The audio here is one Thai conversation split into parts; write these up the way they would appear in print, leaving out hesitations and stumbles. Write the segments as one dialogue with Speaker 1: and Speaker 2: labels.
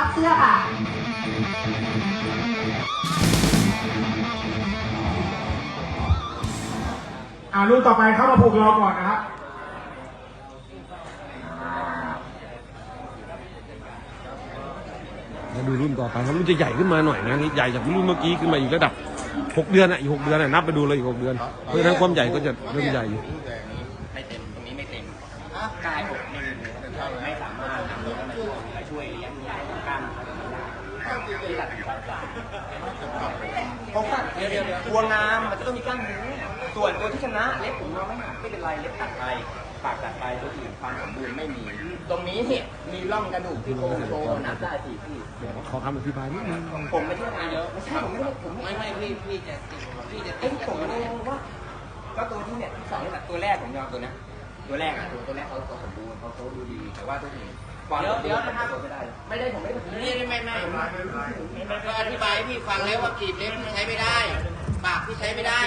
Speaker 1: เสื้อค่ะ
Speaker 2: ลูกต่อไปเข้ามาผูกรอก่อนนะครับ
Speaker 3: มาดูรุ่นต่อไปครับรุ่นจะใหญ่ขึ้นมาหน่อยนะนี่ใหญ่จากรุ่นเมื่อกี้ขึ้นมาอีกระดับ6 เดือนอีก6 เดือนนับไปดูเลยอีก6 เดือนเพราะฉะนั้นความใหญ่ก็จะเริ่มใหญ่อยู่
Speaker 4: ไม่เต็มตรงนี้ไม่เต็มกายอกไม่สามารถนำไปช่วยเลี้ยงกล้ามที่หลักผมว่าเดี๋ยวตัวงามมันจะต้องมีกล้ามเนื้อส่วนตัวที่ชนะเล็บผมเราไม่เป็นไรเล็บตัดไปปากตัดไปตัวอื่นความสมบูรณ์ไม่มีตรงนี้เนี่ยมีร่องกระดูกที่โค้งโตนับได้4 ที่
Speaker 3: เดี๋ยวขอคำอธิบายนิดนึง
Speaker 4: ผมไม่ใช่งานเยอะไม่ใช่ผมไม่ไอ้ผมไม่รู้ว่าก็ตัวที่เนี่ยสองนี่แหละตัวแรกผมยอมตัวนี้ตัวแรกตัวแรกเขาสมบูรณ์เขาดูดีแต่ว่าตัวอื่นเดี๋ยวนะครับไม่ได้ผมไม่ก็อธิบายให้พี่ฟังแล้วว่ากรีบเล็บใช้ไม่ได้ปากที่ใช้ไม่ได้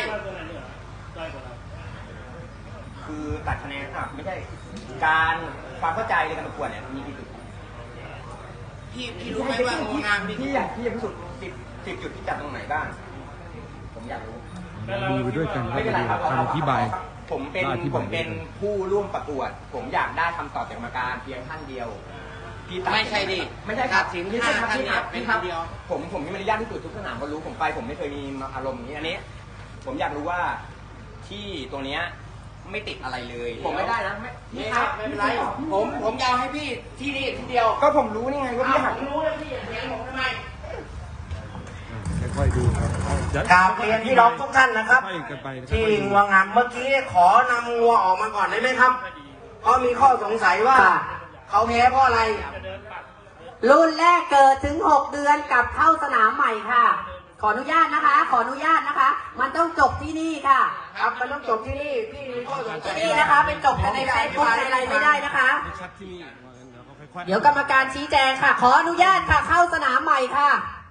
Speaker 4: คือตัดคะแนนไม่ใช่การความเข้าใจในการประกวดเนี่ยมีกี่จุดพี่รู้ไหมว่างานพี่อยากพิสูจน์10 จุดที่จัดตรงไหนบ้างผมอยากรู้
Speaker 3: ดูไปด้วยกันครับคำอธิบาย
Speaker 4: ผมเป็นผู้ร่วมประกวดผมอยากได้คำตอบจากกรรมการเพียงท่านเดียวไม่ใช่ดิไม่ใช่ครับพี่ครับเป็นท่านเดียวผมมีมารยาทที่สุดทุกสนามเขารู้ผมไปผมไม่เคยมีอารมณ์อย่างนี้อันนี้ผมอยากรู้ว่าที่ตรงเนี้ยไม่ติดอะไรเลยผมไม่ได้นะไม่ครับไม่เป็นไรผมยาวให้พี่ที่นี่ที่เดียวก็ผมรู้นี่ไงว่าพี่หักรู้แล้วพี่เถียงผมทำไม
Speaker 3: ค่อยๆดูครับ
Speaker 5: กราบเรียนพี่น้องทุกท่านนะครับที่งัวงามเมื่อกี้ขอนำงัวออกมาก่อนได้ไหมครับเพราะมีข้อสงสัยว่าเขาแพ้เพราะอะไร
Speaker 1: รุ่นแรกเกิดถึง6 เดือนกับเข้าสนามใหม่ค่ะขออนุญาตนะคะมันต้องจบที่นี่ค่ะ
Speaker 5: ครับมันต้องจบที่นี่พี่มีข้อสงสัย
Speaker 1: นี่นะคะเป็นจบกันในเฟซบุ๊กอะไรไม่ได้นะคะเดี๋ยวกรรมการชี้แจงค่ะขออนุญาตค่ะเข้าสนามใหม่ค่ะ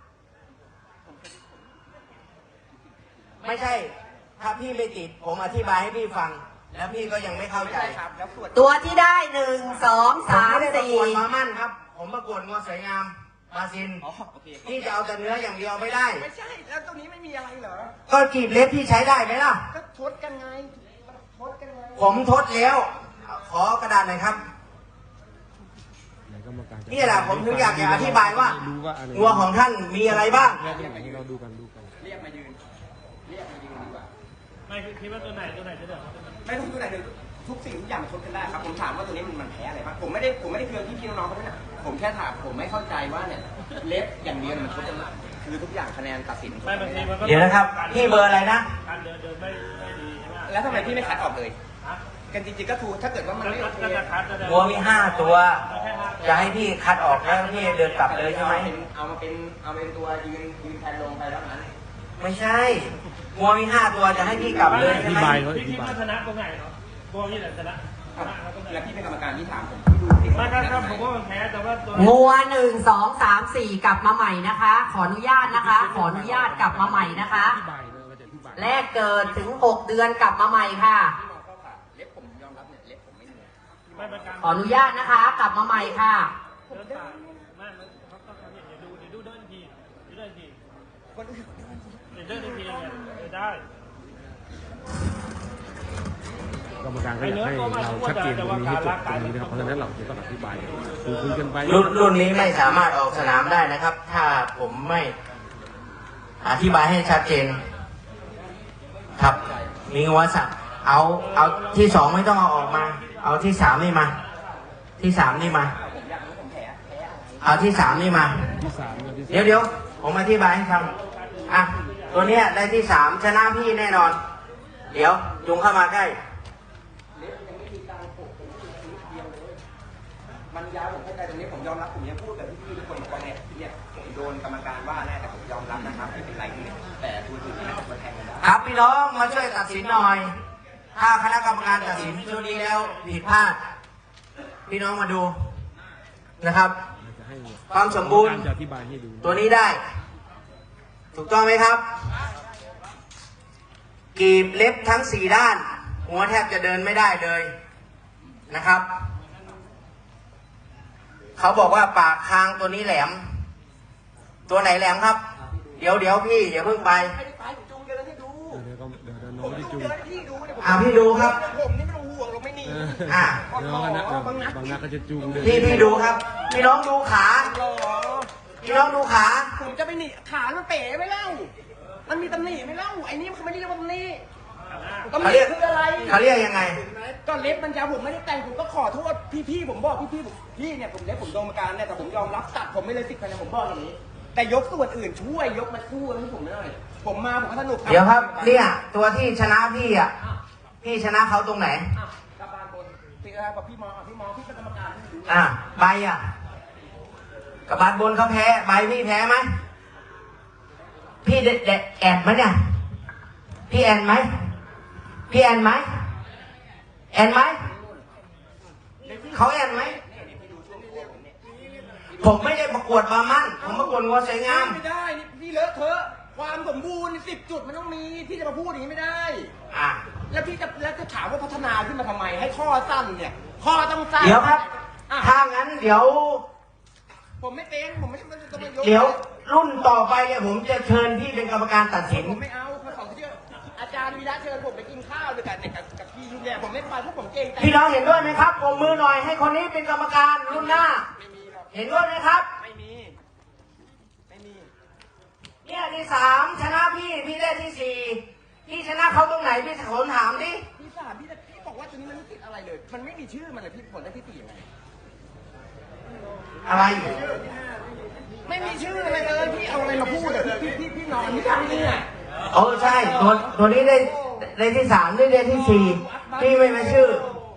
Speaker 5: ไม่ใช่ถ้าพี่ไม่ติดผมอธิบายให้พี่ฟังแล้วพี่ก็ยังไม่เข้าใจ
Speaker 1: ตัวที่ได้1 2 3 4
Speaker 5: มามั่นครับผมประกวดงัวสวยงามบาซินพี่จะเอาแต่เนื้ออย่างเดียวไม่ได้
Speaker 4: ไม่ใช่แล้วตรงนี้ไม่มีอะไรเหรอ
Speaker 5: ก็กรีบเล็บพี่ใช้ได้ไหมล่ะ
Speaker 4: ก็ทดกันไง
Speaker 5: ผมทดแล้วขอกระดาษหน่อยครับนี่แหละผมถึงอยากจะอธิบายว่างัวของท่านมีอะไรบ้าง
Speaker 3: เราดูกัน
Speaker 4: เรียกมายืนดีกว่า
Speaker 2: ไม่คิดว่าตัวไหนจะเดือด
Speaker 4: ไม่ต้องตัวไหนเลยทุกสิ่งทุกอย่างมันทดกันได้ครับผมถามว่าตัวนี้มันแพ้อะไรบ้างผมไม่ได้เครื่องพี่น้องเขาด้วยนะผมแค่ถามผมไม่เข้าใจว่าเนี่ยเล็บอย่างเดียวมันทดกันได้คือทุกอย่างคะแนนตัดสิน
Speaker 5: เดี๋ยวนะครับพี่เบอร์อะไรนะ
Speaker 4: แล้วทำไมพี่ไม่คัดออกเลยกันจริงๆก็ถูกถ้าเกิดว่ามันไม่โอเค
Speaker 5: วัวมี5 ตัวจะให้พี่คัดออกแล้วพี่เดินกลับเลยใช่ไหม
Speaker 4: เอาเป็นตัวยืนแทนลงไปแล้วนั้น
Speaker 5: ไม่ใช่วัวมี5 ตัวจะให้พี่กลับเลยใช่ไหม
Speaker 2: พี่คิดว่าชนะตรงไหนเนาะวัวพี่ไหนชนะ
Speaker 4: แล้วพี่เป็นกรรมการที่ถามผม
Speaker 2: ไม่ครับผมว่ามันแพ้แต่ว่า
Speaker 1: งัว1 2 3 4กลับมาใหม่นะคะขออนุญาตนะคะขออนุญาตกลับมาใหม่นะคะแรกเกิดถึง6 เดือนกลับมาใหม่ค่ะขออนุญาตนะคะกลับมาใหม่ค่ะ
Speaker 2: ได้
Speaker 3: กรรมการก็อยากให้เราชัดเจนตรงนี้ให้จบตรงนี้นะครับเพราะฉะนั้นเราจะต้องอธิบายคุยกันไป
Speaker 5: รุ่นนี้ไม่สามารถออกสนามได้นะครับถ้าผมไม่อธิบายให้ชัดเจนครับมีงัวสักเอาที่2ไม่ต้องเอาออกมาเอาที่3นี่มาที่3นี่มาเอาที่3นี่มาเดี๋ยวผมอธิบายให้ฟังตัวเนี้ยได้ที่3ชนะพี่แน่นอนเดี๋ยวจุงเข้ามาใกล้
Speaker 4: มันยาวผมเข้าใจตรงนี้ผมยอมรับผมยังพูดกับพี่ทุกคนบอกว่าเนี่ยผมโดนกรรมการว่าแน่แต่ผมยอมรับนะครับไม่เป็นไรแต่คุณอื่นที่จะมาแทงกันได้
Speaker 5: ครับพี่น้องมาช่วยตัดสินหน่อยถ้าคณะกรรมการตัดสินชุดนี้แล้วผิดพลาดพี่น้องมาดูนะครับความสมบูรณ์ตัวนี้ได้ถูกต้องไหมครับกรีบเล็บทั้ง4 ด้านหัวแทบจะเดินไม่ได้เลยนะครับเขาบอกว่าปากคางตัวนี้แหลมตัวไหนแหลมครับ เดี๋ยวพี่อย่าเพิ่งไป
Speaker 4: ไม่ได้ไปผมจูงเดินให้ดู
Speaker 3: เดี๋ยวน้
Speaker 4: ผ
Speaker 3: อง
Speaker 4: ม
Speaker 3: ไม่ได้
Speaker 4: จู
Speaker 3: จู
Speaker 4: ง
Speaker 3: ง
Speaker 4: เดินให้พี่ดูเนี่ย
Speaker 5: พี่ดูครับ
Speaker 4: ผมนี่ไม่ต้องห่วงหรอกไม่หนี
Speaker 5: อ่ะ
Speaker 3: เดี๋ยวบางนัดก็จะจูงเดิน
Speaker 5: พี่ดูครับ พี่น้องดูขา
Speaker 4: หรอ
Speaker 5: พี่น้องดูขา
Speaker 4: ผมจะไปหนีขามันเป๋ไหมเล่ามันมีตำหนิไหมเล่าไอ้นี่มันไม่ได้เรียกว่าตำหนิตำห
Speaker 5: เขา
Speaker 4: นิ
Speaker 5: เรียก
Speaker 4: คืออะไร
Speaker 5: เขาเรียกยังไง
Speaker 4: ก็เล็บมันยาวผมไม่ได้แต่งผมก็ขอโทษพี่ๆผมบอกพี่เนี่ยผมเล็บผมโดนมาการเนี่ยแต่ผมยอมรับตัดผมไม่เลย10 คะแนนผมบอกอย่างนี้ แต่ยกส่วนอื่นช่วยยกมาคู่ให้ผมหน่อยผมมาผมก็สนุก
Speaker 5: เดี๋ยวครับ เนี่ยตัวที่ชนะพี่อ่ะ พี่ชนะเขาตรงไหน
Speaker 4: อ่ะกลับบานบนพี่อะไรกับพี่มองพี่เป็นกรรมการพี่ดู
Speaker 5: อ่ะใบอ่ะกับบานบนเขาแพ้ใบพี่แพ้ไหมพี่เด็ดแอนไหมเนี่ยพี่แอนไหมพี่แอนไหมแอนไหมเขาแอนไหมผมไม่ได้ประกวดบามั่นผมประกวดงัวสวยงาม
Speaker 4: ไม่ได้นี่พี่เลอะเทอะความสมบูรณ์10 จุดมันต้องมีพี่จะมาพูดอย่างนี้ไม่ได้
Speaker 5: อ่ะ
Speaker 4: แล้วพี่จะถามว่าพัฒนาขึ้นมาทำไมให้ข้อสั้นเนี่ยข้อต้องสั้น
Speaker 5: เดี๋ยวครับ
Speaker 4: อ่ะ
Speaker 5: ถ้างั้นเดี๋ยว
Speaker 4: ผมไม่เป็นผมไม่ต้องมายก
Speaker 5: เดี๋ยวรุ่นต่อไปเนี่ยผมจะเชิญพี่เป็นกรรมการตัดสิน
Speaker 4: ผมไม่เอาเพราะของที่อาจารย์วีระเชิญผมไปกินข้าวด้วยกันเนี่ยกับพี่ยุทธเนี่ยผมไม่ไปเพราะผมเกรงใจ
Speaker 5: พี่น้องเห็นด้วยไหมครับปรบมือหน่อยให้คนนี้เป็นกรรมการรุ่นหน้า
Speaker 4: ไม่มีหรอก
Speaker 5: เห็นด้วยไหมครับ
Speaker 4: ไม่มี
Speaker 5: เนี่ยที่3ชนะพี่ได้ที่4พี่ชนะเขาตรงไหนพี่ขอถามดิ
Speaker 4: พี่สามพี่บอกว่าตัวนี้มันไม่ติดอะไรเลย มันไม่มีชื่อมันเลยพี่ผลได้ที่4ยังไง
Speaker 5: อะไร
Speaker 4: ไม่มีชื่ออะไรเลยพี่เอาอะไรมาพูดอะพี่นอนพี่ทำนี่อ่ะ
Speaker 5: โอ้ใช่ตัวนี้ได้ที่3ได้ที่4พี่ไม่มาชื่อ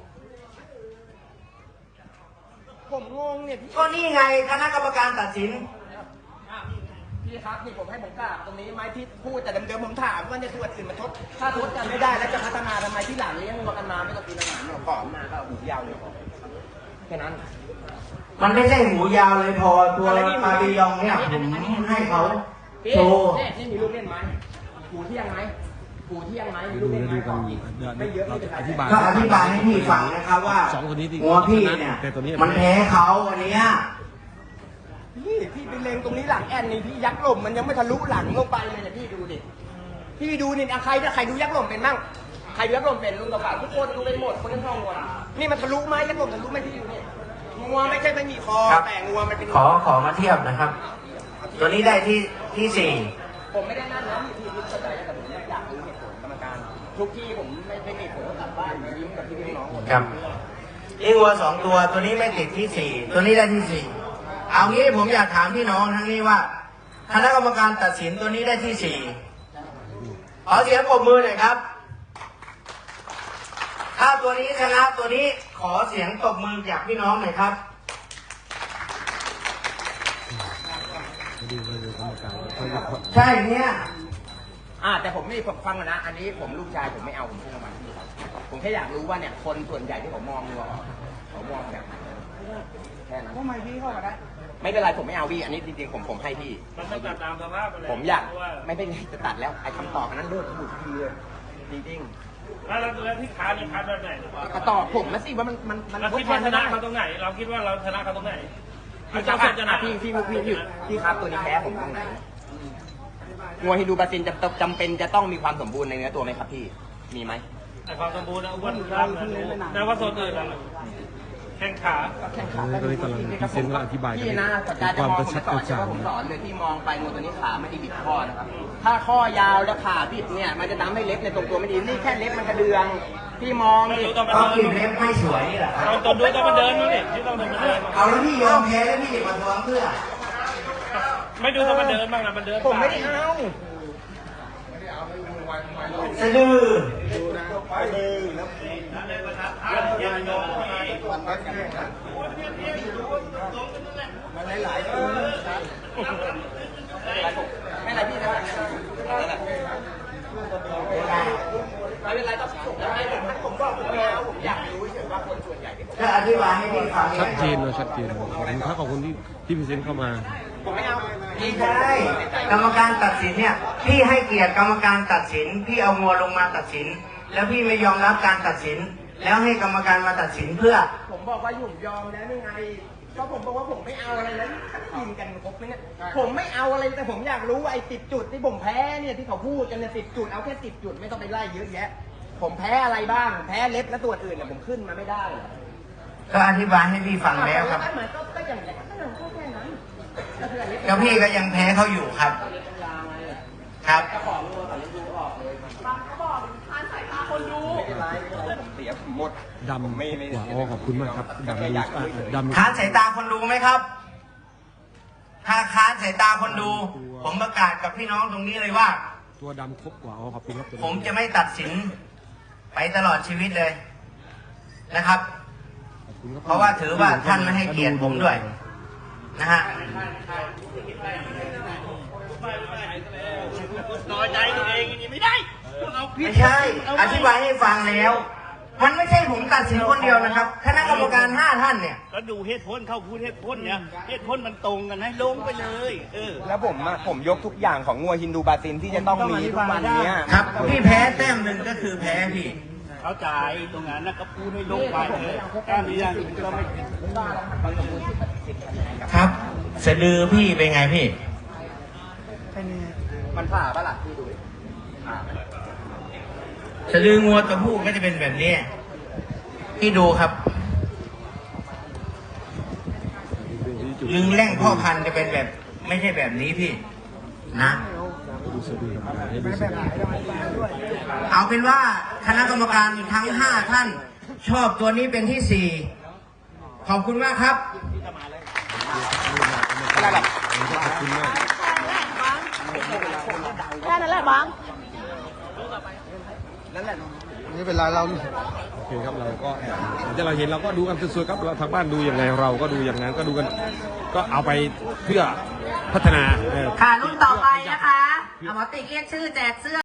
Speaker 4: ผมงงเนี่ยพี่
Speaker 5: ก็นี่ไงคณะกรรมการตัดสิน
Speaker 4: พี่ครับนี่ผมให้ผมกราบตรงนี้ไหมที่พูดแต่เดิมๆผมถามว่าในส่วนอื่นมันถ้าทดกันไม่ได้แล้วจะพัฒนาทำไมที่หลังเลี้ยงวัวกันมาไม่ต้องกินอาหารหรอกขอมาก็หูยาวเลยแค่นั้น
Speaker 5: มันไม่ใช่หูยาวเลยพอตัวปาบิยองเนี่ยผมให้เขาโชว์
Speaker 4: นี่มีลูกเล่นไหมหูเที่ยงไหมหูเที่ยงไหมมีลู
Speaker 3: ดู
Speaker 4: กเล่นไหม
Speaker 3: กัน
Speaker 4: ไม่เยอะ
Speaker 3: เรา
Speaker 4: ไม่
Speaker 3: จะ
Speaker 4: เป็นไร
Speaker 3: อธิบาย
Speaker 5: ก็อธิบายให้พี่ฟังนะครับว่า
Speaker 3: สองคนนี้ที่
Speaker 5: หัวพี่เนี่ย
Speaker 3: แต่ตัวนี้
Speaker 5: มันแพ้เขาอันเนี้ย
Speaker 4: พี่ไปเล็งตรงนี้หลังแอนนี่พี่ยักษ์หล่มมันยังไม่ทะลุหลังลงไปเลยเนี่ยพี่ดูดิพี่ดูนี่ใครดูยักษ์หล่มเป็นมั่งใครดูยักษ์หล่มเป็นลุงกับป่าทุกคนดูเป็นหมดคนทั้งช่องวัวนี่มันทะลุไหมยักษ์หล่มทะลุไหมพี่ดูนี่งัวไม่ใช่ไม่มีคอ
Speaker 5: ครับ
Speaker 4: แต่งัวมันเป็น
Speaker 5: ขอมาเทียบนะครับ ตัวนี้ได้ที่สี่
Speaker 4: ผมไม่ได้นั่นนะพี่เข้าใจแต่ผมอยากรู้เหตุผลกรรมการทุกที่ผมไม่มีผลกลับบ้านยิ้มกับพี่น้องหมด
Speaker 5: ครับอีวัว2 ตัวนี้ไม่ติดที่4ตัวนี้ได้ที่4เอางี้ผมอยากถามพี่น้องทั้งนี้ว่าคณะกรรมการตัดสินตัวนี้ได้ที่4ขอเสียงปรบมือหน่อยครับ ถ้าตัวนี้ชนะตัวนี้ขอเสียงตบมือจากพี่น้องหน่อยครับ
Speaker 3: ดูกรรมการ
Speaker 5: ใช่เนี่ย
Speaker 4: แต่ผมไม่ผมฟังนะอันนี้ผมลูกชายผมไม่เอาผมพูดมาที่ครับผมแค่อยากรู้ว่าเนี่ยคนส่วนใหญ่ที่ผมมองดูเขามองแบบไหนแค่นั้นทำไมพี่เข้ามาได้ไม่เป็นไรผมไม่เอาพี่อันนี้จริงๆผมให้พี่
Speaker 2: มันต้องตัดตามสภาพไปเลย
Speaker 4: ผมอยาก
Speaker 2: เพราะว่า
Speaker 4: ไม่เป็นไรจะตัดแล้วไอ้คำตอบอันนั้นเลิกบุกทีเลยจริง
Speaker 2: แล้วที่ค้านี่ค้าแบบไหน
Speaker 4: ๆก็ตอบผมมาสิว่ามัน
Speaker 2: เราคิดว่าชนะเขาตรงไหน เราคิดว่าเราชนะเขาตรงไหน
Speaker 4: พี่
Speaker 2: เจ้า
Speaker 4: ค
Speaker 2: เส
Speaker 4: รั
Speaker 2: ร็จจะไหน
Speaker 4: พี่ครับตัวนี้แพ้ผมตรงไหนงัวฮินดูบราซิลจำเป็นจะต้องมีความสมบูรณ์ในเนื้อตัวไหมครับพี่มีไหม
Speaker 2: แต่ความสมบูรณ์นะอ้วนร่างนะแต่ว่าโซนอื่นล่ะแข้งขา
Speaker 3: ก็เลยกำลังพิเศษก็อธิบาย
Speaker 4: พี่นะสัปดาห์จะ
Speaker 3: ความ
Speaker 4: มอง
Speaker 3: กระ
Speaker 4: ผม
Speaker 3: ชับ
Speaker 4: ส
Speaker 3: ก
Speaker 4: อน
Speaker 3: ระ
Speaker 4: ใช่
Speaker 3: จ่าง
Speaker 4: ว่าผมสอนเลยที่มองไปงูตัวนี้ขาไม่ได้บิดข้อนะครับ ถ้าข้อยาวแล้วขาบิดเนี่ยมันจะทำให้เล็บในตรงตัวไม่ดีนี่แค่เล็บมันกระเดืองพี่มองดิ
Speaker 5: ก็กลิ่นเล็บไม่สวยนี่แหละครับ
Speaker 2: เราตัวดูต้องมาเดินมั้งดิที่ต้องมาเดิน
Speaker 5: เอาแล้วพี่ยอมแพ้แล้วพี่มาทวงเพื่อ
Speaker 2: ไม่ดูต้องมาเดินบ้างนะมันเดิน
Speaker 4: ผมไม่ได้เอา
Speaker 5: สะดือ
Speaker 4: ไม่เป็นไรพี่นะไม่เป็นไรต้องส่งได้ผมบอกผมไม่เอาผมอยากรู้เฉยว่าคนส่วนใหญ่ที่ผม
Speaker 5: ก็อธิบายให้พี่ฟัง
Speaker 3: ชัดเจนเลยชัดเจนขอบคุณครับขอบคุณที่พิเศษเข้ามา
Speaker 4: ผมไม่เอา
Speaker 5: ไม่ได้กรรมการตัดสินเนี่ย พี่ให้เกียรติกรรมการตัดสิน พี่เอางัวลงมาตัดสิน แล้วพี่ไม่ยอมรับการตัดสิน แล้วให้กรรมการมาตัดสินเพื่อ
Speaker 4: ผมบอกว่าหยุ่มยอมแล้วนี่ไงก็ผมบอกว่าผมไม่เอาอะไรแล้วกินกันครบไหมเนี่ยผมไม่เอาอะไรแต่ผมอยากรู้ว่าไอ้10 จุดที่ผมแพ้เนี่ยที่เขาพูดกันเนี่ย10 จุดเอาแค่10 จุดไม่ต้องไปไล่เยอะแยะ ผมแพ้อะไรบ้างผมแพ้เล็บและตัวอื่นเนี่ยผมขึ้นมาไม่ได้เหรอ
Speaker 5: ก็อธิบายให้พี่ฟังแล้วครับ
Speaker 4: ก็เหมือนก็อย่างนี้ก็แค่นั้นก็คือเล็บ
Speaker 5: แล้วพี่ก็ยังแพ้เขาอยู่ครับ ครับ
Speaker 4: เสียผมหมด
Speaker 3: ดำ
Speaker 4: ไม่
Speaker 3: กว่าอ๋อขอบคุณมากครับดำดูดำ
Speaker 5: ค้านสายตาคนดูไหมครับ ถ้าค้านสายตาคนดู ผมประกาศกับพี่น้องตรงนี้เลยว่า
Speaker 3: ตัวดำครบกว่าอ๋อขอบคุณครับ
Speaker 5: ผมจะไม่ตัดสินไปตลอดชีวิตเลยนะครับ
Speaker 3: ขอบคุณคบ
Speaker 5: เพราะว่าถือว่าท่านไม่ให้เกียรติผมด้วยนะฮะ
Speaker 2: น้อยใจตัวเองอย่างนี้ไม่ได้เอาผิด
Speaker 5: ไม่ใช่ อธิบายให้ฟังแล้ว มันไม่ใช่ผมตัดสินคนเดียวนะครับ คณะกรรมการ5 ท่านเนี่ย
Speaker 2: ก็ดูเหตุผลเข้าพูดเหตุผลเนี่ยเหตุผลมันตรงกันให้ลงไปเลย
Speaker 4: แล้วผมยกทุกอย่างของงัวฮินดูบาซินที่จะต้องมีทุกวันเนี้ย
Speaker 5: ครับ พี่แพ้แต้มหนึ่งก็คือแพ้พี่
Speaker 2: เข้าใจตรงนั้นนะก็พูดให้ลงไปเลยการนี้อย่างอื่นก็ไม่
Speaker 5: ครับสะดือพี่เป็นไงพี่
Speaker 4: มันผ่าปะล่ะพี่ดูดิผ่าไหม
Speaker 5: สะดืองัวตัวผู้ก็จะเป็นแบบนี้ พี่ดูครับลึงแร่งพ่อพันธุ์จะเป็นแบบ ไม่ใช่แบบนี้พี่ นะ
Speaker 3: ดูสะดือครับดูสะดือ
Speaker 5: เอาเป็นว่าคณะกรรมการทั้ง5 ท่าน ชอบตัวนี้เป็นที่ 4 ขอบคุณมากครับ
Speaker 4: อะไรหรอ
Speaker 3: ขอบคุณมาก
Speaker 6: แค่นั้นแหละบัง
Speaker 3: ไม่เป็นไรเราโอเคครับเราก็ที่เราเห็นเราก็ดูกันสวยๆครับเราทางบ้านดูอย่างไรเราก็ดูอย่างนั้นก็ดูกัน ก็เอาไปเพื่อพัฒนา
Speaker 1: ค่ะรุ่นต่อไปนะคะหมอติ๊กเรียกชื่อแจกเสื้อ